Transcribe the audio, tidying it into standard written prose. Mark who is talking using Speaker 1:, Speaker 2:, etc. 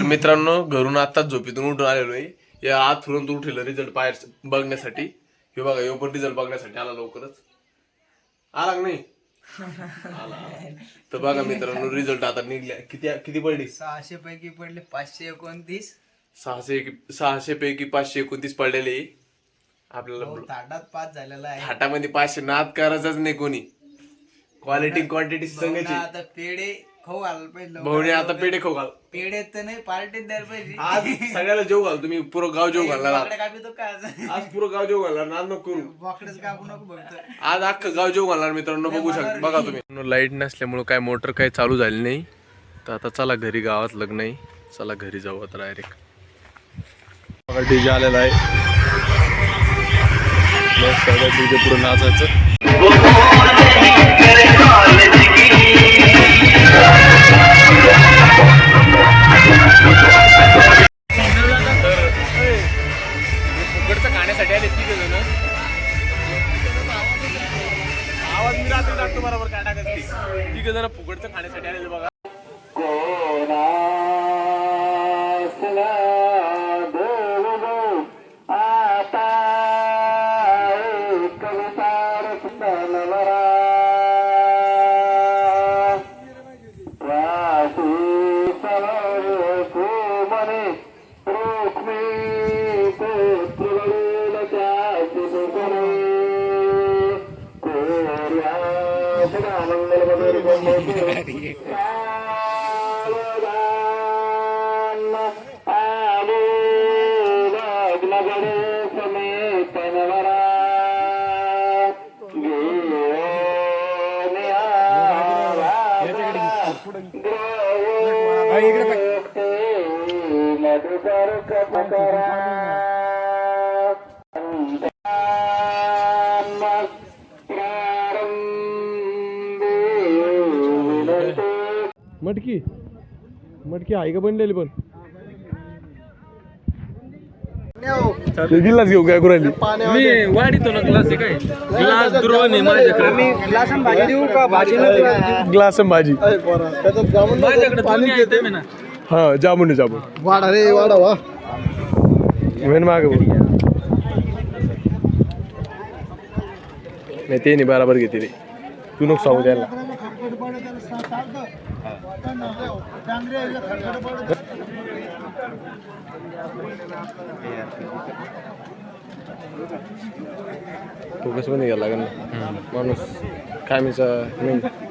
Speaker 1: मित्रांनो घरून आताच झोपेतून उठून आलेलो आहे. या आत फिरून उठलेलं रिझल्ट बाहेर बघण्यासाठी. हे बघा यो पण रिझल्ट बघण्यासाठी आला लवकरच. आला नाही आला. तर बघा मित्रांनो रिझल्ट आता निघल्या. किती किती पडली?
Speaker 2: 600 पैकी पडले 529.
Speaker 1: 600 पैकी 529 पडलेले आपल्याला.
Speaker 2: थाटात पास झालेला आहे.
Speaker 1: थाटामध्ये 500 नाद करायचाच नाही कोणी. क्वालिटी क्वांटिटी संघाची.
Speaker 2: आता पेढे खाऊ घाल पाहिजे.
Speaker 1: भाऊने आता पेढे खाऊ घाल.
Speaker 2: पेढे तर नाही पार्टीत द्यायला पाहिजे.
Speaker 1: आज सगळ्याला जेव घाल. तुम्ही पुरं गाव जेव घालणार. आज पुरं गाव जेव घालणार. नाद नको करू.
Speaker 2: बोकडेच कापू नको फक्त.
Speaker 1: आज अख्खं गाव जेव घालणार मित्रांनो. बघू शकता बघा तुम्ही. लाईट नसल्यामुळे काय मोटर काही चालू झाली नाही. तर आता चला घरी. गावात लग्न आहे. चला घरी जाऊ आता डायरेक्ट. डीजे आलेला आहे. डीजे पुढे नाचायचं. फुकटचं खाण्यासाठी आले तिघ जण. आवाज मी रात्री टाकतो बरोबर काय टाकत. तिघ जण फुकटचं खाण्यासाठी आलेले बघा. मटकी मटकी आहे का बनलेली पण गिलास घेऊ काय करायली.
Speaker 3: मी वाढीतो ना ग्लास आहे काय ग्लास द्रोण आहे माझ्याकडे.
Speaker 2: आम्ही ग्लास आणि भाजी देऊ का? भाजी
Speaker 1: ग्लास आणि भाजी
Speaker 3: माझ्याकडे पाणी येते मी ना.
Speaker 1: हा जामुन जामुन
Speaker 2: वाडा रे वाडा वा
Speaker 1: मेन माग नाही ते नाही बराबर घेते रे. तू नको सांगू त्याला. फोकस पण घ्यायला लागेल ना. माणूस कामीचा मेन